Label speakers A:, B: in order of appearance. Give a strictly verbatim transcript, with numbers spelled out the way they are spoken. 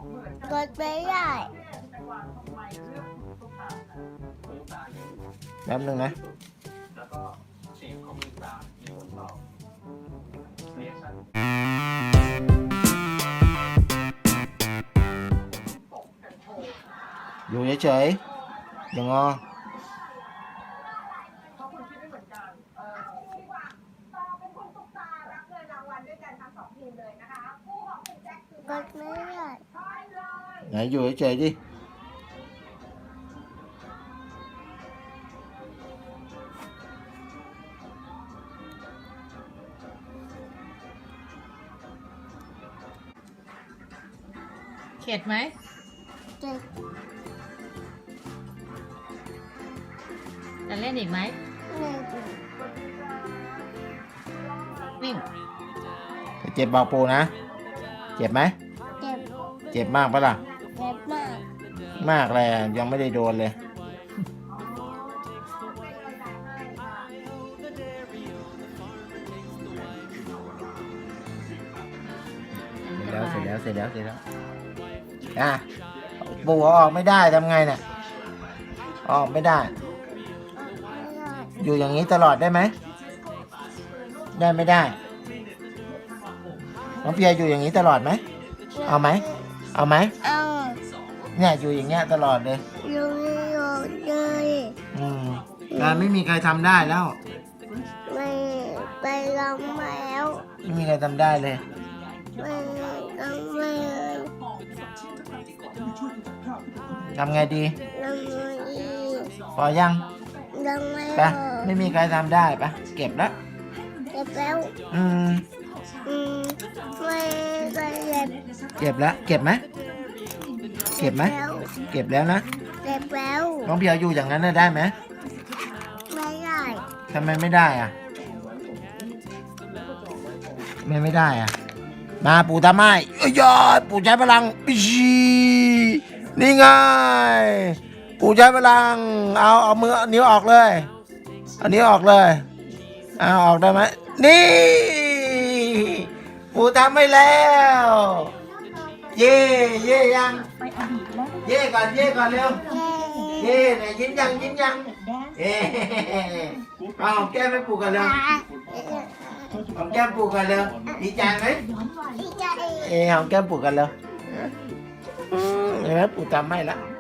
A: กดไม่ได้
B: แป๊บนึงนะอยู่เฉยๆอย่างงอ
A: กดไม่ได้
B: ไหนอยู่เฉยๆดิ
C: เข็ดไหม
A: เจ็บ
C: จะเล่นอีกไหม
A: เจ็บ
C: นิ่ง
B: เจ็บบอกปูนะเจ็บไหม
A: เจ็บ
B: เจ็บมากปะล่ะ
A: เจ็บมาก
B: มากเลยยังไม่ได้โดนเลยเสร็จแล้วเสร็จแล้วเสร็จแล้วเสร็จแล้วอ่ะปูเอาออกไม่ได้ทำไงเนี่ยออกไม่ได้
A: ไม่ได้
B: อยู่อย่างนี้ตลอดได้ไหมได้ไม่ได้น้องเปียอยู่อย่างนี้ตลอดไหมเอาไหมเอาไหม
A: เอา
B: เนี่ยอยู่อย่างเงี้ยตลอดเลย
A: อยู่อยู่เลย
B: อืมงานไม่มีใครทำได้แล้ว
A: ไม่ไปลองแล้ว
B: ไม่มีใครทำได้เลย
A: ไม่ลองไม่เลย
B: ทำไงดี
A: ลองไม่ดี
B: พอยัง
A: ลองไม่
B: ไป
A: พอ
B: ไม่มีใครทำได้ปะเก็บแล้ว
A: เจ็บแล้ว
B: อืม
A: อืมไม่ไปเจ็บ
B: เก็บแล้วเก็บไหมเก็บไหม
A: แล้ว
B: เก็บแล้วนะ
A: เจ็บแล้ว
B: น้องเพียวอยู่อย่างนั้นน่ะได้ไหม
A: ไม่ได้
B: ทำไมไม่ได้อ่ะทำไมไม่ได้อ่ะมาปู่ทำให้เอ้ยยอดปู่ใช้พลังปีนี่ไงปู่ใช้พลังเอาเอามือเอานิ้วออกเลยเอานิ้วออกเลยเอาออกได้ไหมนี่ปู่ทำให้แล้วเย่เย่ยังเย่ก่อนเย่ก่อนเร็วเย่ไหนยิ้มยังยิ้มยังเอ๊เอาหอมแก้มให้ปู่กันเร็วหอมแก้มปู่กันเร็วดีใจไหม
A: ดีใจ
B: เอ๊หอมแก้มปู่กันเร็วเห็นไหมปู่ทำให้แล้ว